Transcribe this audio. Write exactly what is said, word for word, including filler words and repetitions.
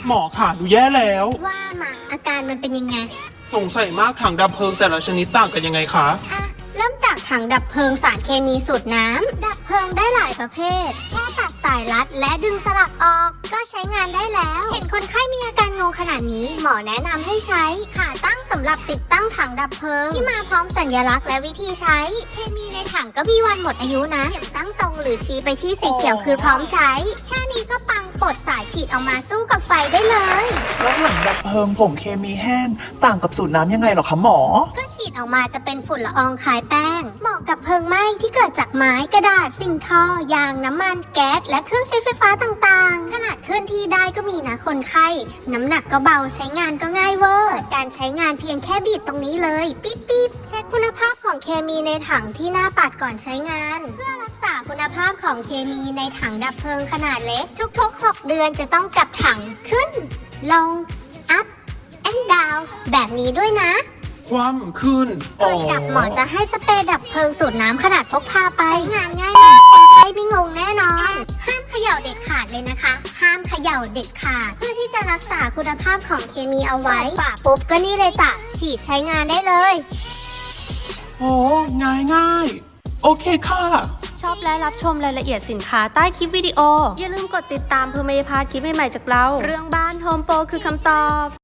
หมอขาดูแย่แล้วว่ามาอาการมันเป็นยังไงสงสัยมากถังดับเพลิงแต่ละชนิดต่างกันยังไงคะอ่ะเริ่มจากถังดับเพลิงสารเคมีสูตรน้ำดับเพลิงได้หลายประเภทแค่ตัดสายรัดและดึงสลักออกก็ใช้งานได้แล้ว เห็นคนไข้มีอาการงงขนาดนี้หมอแนะนำให้ใช้ขาตั้งสำหรับติดตั้งถังดับเพลิงที่มาพร้อมสัญลักษณ์และวิธีใช้เคมีในถังก็มีวันหมดอายุนะเข็มตั้งตรงหรือชี้ไปที่สีเขียวคือพร้อมใช้แค่นี้ก็ปังปลดสายฉีดออกมาสู้กับไฟได้เลยแล้วถังดับเพลิงผงเคมีแห้งต่างกับสูตรน้ำยังไงหรอคะหมอก็ฉีดออกมาจะเป็นฝุ่นละอองคล้ายแป้งเหมาะกับเพลิงไหม้ที่เกิดจากไม้กระดาษสิ่งทอยางน้ำมันแก๊สและเครื่องใช้ไฟฟ้าต่างๆขนาดเคลื่อนที่ได้ก็มีนะคนไข้น้ำหนักก็เบาใช้งานก็ง่ายเวอร์การใช้งานเพียงแค่บีบตรงนี้เลยปิ๊บปิ๊บเช็คคุณภาพของเคมีในถังที่หน้าปัดก่อนใช้งานเพื่อรักษาคุณภาพของเคมีในถังดับเพลิงขนาดเล็กทุกๆหกเดือนจะต้องกลับถังขึ้นลง up and down แบบนี้ด้วยนะคว่ำขึ้นก่อนกลับหมอจะให้สเปรย์ดับเพลิงสูตรน้ำขนาดพกพาไปใช้งานง่ายมากคนไข้ไม่งงแน่นอนห้ามเขย่าเด็ดขาดเลยนะคะห้ามเขย่าเด็ดขาดเพื่อที่จะรักษาคุณภาพของเคมีเอาไว้ป่าปุ๊บก็นี่เลยจ้ะฉีดใช้งานได้เลยโอ้ง่ายง่ายโอเคค่ะชอบและรับชมรายละเอียดสินค้าใต้คลิปวิดีโออย่าลืมกดติดตามเพื่อไม่พลาดคลิปใหม่ๆจากเราเรื่องบ้านโฮมโปรคือคำตอบ